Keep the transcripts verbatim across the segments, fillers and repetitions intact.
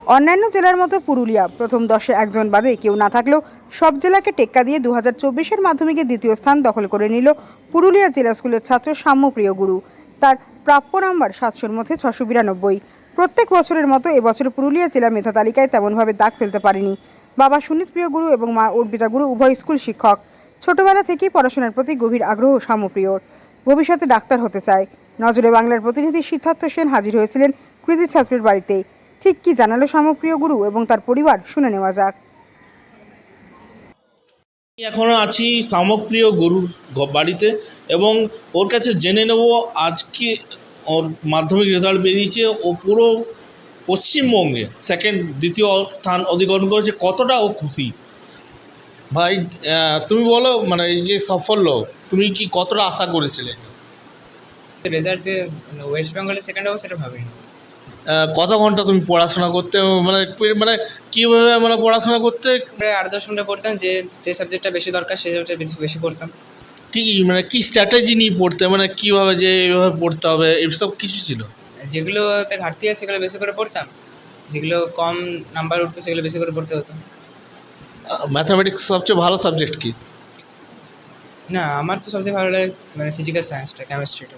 অন্যান্য জেলার মতো পুরুলিয়া প্রথম দশে একজন বাদে কেউ না থাকলেও সব জেলাকে টেক্কা দিয়ে দু হাজার চব্বিশের মাধ্যমিকে দ্বিতীয় স্থান দখল করে নিল পুরুলিয়া জেলা স্কুলের ছাত্র সাম্যপ্রিয় গুরু। তার প্রাপ্য নাম্বার সাতশোর মধ্যে ছশো বিরানব্বই। প্রত্যেক বছরের মতো এবছর পুরুলিয়া জেলা মেধা তালিকায় তেমনভাবে দাগ ফেলতে পারেনি। বাবা সুনীত প্রিয় গুরু এবং মা অর্পিতা গুরু উভয় স্কুল শিক্ষক। ছোটবেলা থেকেই পড়াশোনার প্রতি গভীর আগ্রহ সাম্যপ্রিয়র। ভবিষ্যতে ডাক্তার হতে চায়। নজরে বাংলার প্রতিনিধি সিদ্ধার্থ সেন হাজির হয়েছিলেন কৃতি ছাত্রের বাড়িতে। ঠিক কি জানালো সাম্যপ্রিয় গুরু এবং তার পরিবার, শুনে নেওয়া যাক। এখনো আছি সাম্যপ্রিয় গুরুর বাড়িতে এবং ওর কাছে জেনে নেব আজকে ওর মাধ্যমিক রেজাল্ট বেরিয়েছে। ও পুরো পশ্চিমবঙ্গে সেকেন্ড দ্বিতীয় স্থান অধিকরণ করেছে। কতটা ও খুশি। ভাই তুমি বলো, মানে এই যে সাফল্য তুমি কি কতটা আশা করেছিলে? রেজাল্ট যে ওয়েস্ট বেঙ্গলে সেকেন্ড হবে সেটা ভাবিনি। কত ঘন্টা তুমি পড়াশোনা করতে, মানে মানে কীভাবে মানে পড়াশোনা করতে? প্রায় আট দশ ঘন্টা পড়তাম, যে যে সাবজেক্টটা বেশি দরকার সেই সাবজেক্টটা বেশি বেশি পড়তাম। কি মানে কি স্ট্র্যাটেজি নিয়ে পড়তে, মানে কীভাবে যে এইভাবে পড়তে হবে এসব কিছু ছিল? যেগুলোতে ঘাটতি আছে সেগুলো বেশি করে পড়তাম, যেগুলো কম নাম্বার উঠতো সেগুলো বেশি করে পড়তে হতো। ম্যাথামেটিক্স সবচেয়ে ভালো সাবজেক্ট কি? না, আমার তো সবচেয়ে ভালো লাগে মানে ফিজিক্যাল সায়েন্সটা, কেমিস্ট্রিটা।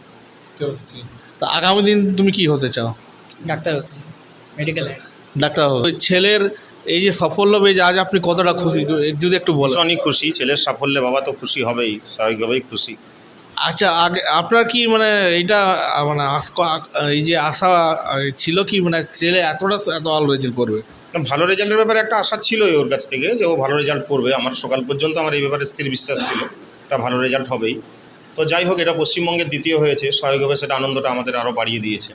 তো আগামী দিন তুমি কি হতে চাও? ডাক্তার হচ্ছে, মেডিকেল লাইন। ডাক্তার হবে। ওই ছেলের এই যে সাফল্য পেয়ে আজ আপনি কতটা খুশি, যদি একটু বলেন। ভীষণই খুশি। ছেলের সাফল্যে বাবা তো খুশি হবেই, স্বাভাবিকভাবেই খুশি। আচ্ছা, আগে আপনার কি মানে এইটা মানে এই যে আশা ছিল কি, মানে ছেলে এতটা এত ভালো রেজাল্ট করবে? ভালো রেজাল্টের ব্যাপারে একটা আশা ছিলই ওর কাছ থেকে, যে ও ভালো রেজাল্ট করবে। আমার সকাল পর্যন্ত আমার এই ব্যাপারে স্থির বিশ্বাস ছিল এটা ভালো রেজাল্ট হবেই। তো যাই হোক, এটা পশ্চিমবঙ্গের দ্বিতীয় হয়েছে, স্বাভাবিকভাবে সেটা আনন্দটা আমাদের আরও বাড়িয়ে দিয়েছে।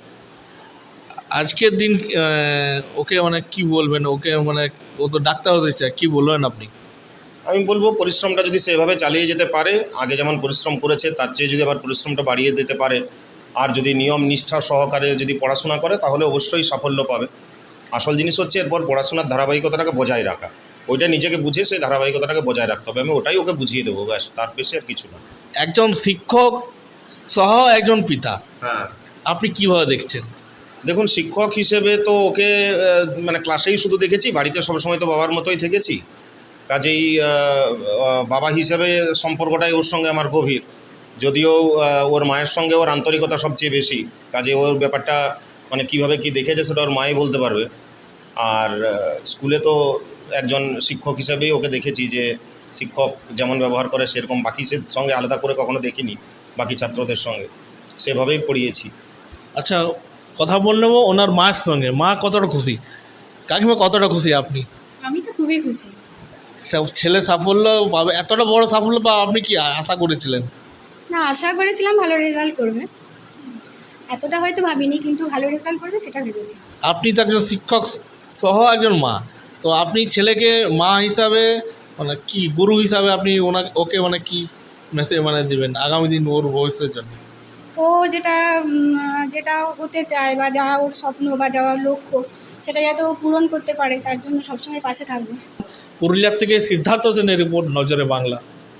আজকের দিন ওকে মানে কি বলবেন? ওকে মানে ও তো ডাক্তার হতে চায়, কি বলবেন আপনি? আমি বলবো পরিশ্রমটা যদি সেভাবে চালিয়ে যেতে পারে, আগে যেমন পরিশ্রম করেছে তার চেয়ে যদি আবার পরিশ্রমটা বাড়িয়ে দিতে পারে, আর যদি নিয়ম নিষ্ঠা সহকারে যদি পড়াশোনা করে, তাহলে অবশ্যই সাফল্য পাবে। আসল জিনিস হচ্ছে এরপর পড়াশোনার ধারাবাহিকতাটাকে বজায় রাখা। ওইটা নিজেকে বুঝে সেই ধারাবাহিকতাটাকে বজায় রাখতে হবে। আমি ওটাই ওকে বুঝিয়ে দেবো, ব্যাস, তার বেশি আর কিছু না। একজন শিক্ষক সহ একজন পিতা, হ্যাঁ, আপনি কিভাবে দেখছেন? দেখুন, শিক্ষক হিসেবে তো ওকে মানে ক্লাসেই শুধু দেখেছি, বাড়িতে সবসময় তো বাবার মতোই থেকেছি। কাজেই বাবা হিসেবে সম্পর্কটাই ওর সঙ্গে আমার গভীর। যদিও ওর মায়ের সঙ্গে ওর আন্তরিকতা সবচেয়ে বেশি। কাজে ওর ব্যাপারটা মানে কীভাবে কী দেখেছে সেটা ওর মাই বলতে পারবে। আর স্কুলে তো একজন শিক্ষক হিসাবেই ওকে দেখেছি, যে শিক্ষক যেমন ব্যবহার করে সেরকম বাকি সঙ্গে আলাদা করে কখনো দেখিনি, বাকি ছাত্রদের সঙ্গে সেভাবেই পড়িয়েছি। আচ্ছা, কথা বললেও ওনার মায়ের সঙ্গে, মা কতটা খুশি? কাকিমা কতটা খুশি আপনি? আমি তো খুবই খুশি। ছেলে সাফল্য পাবে, এতটা বড় সাফল্য পাবে আপনি কি আশা করেছিলেন? না, আশা করেছিলাম ভালো রেজাল্ট করবে, এতটা হয়তো ভাবিনি, কিন্তু ভালো রেজাল্ট করবে সেটা ভেবেছি। আপনি তো একজন শিক্ষক সহ একজন মা, তো আপনি ছেলেকে মা হিসাবে মানে কি গুরু হিসাবে আপনি ওনাকে ওকে মানে কি মেসেজ মানে দেবেন আগামী দিন ওর ভবিষ্যতের জন্য? ও যেটা যেটা হতে চায় বা যা ওর স্বপ্ন বা যাওয়ার লক্ষ্য, সেটা যাতে ও পূরণ করতে পারে, তার জন্য সবসময় পাশে থাকবো। পুরুলিয়ার থেকে সিদ্ধার্থ সেনের রিপোর্ট, নজরে বাংলা।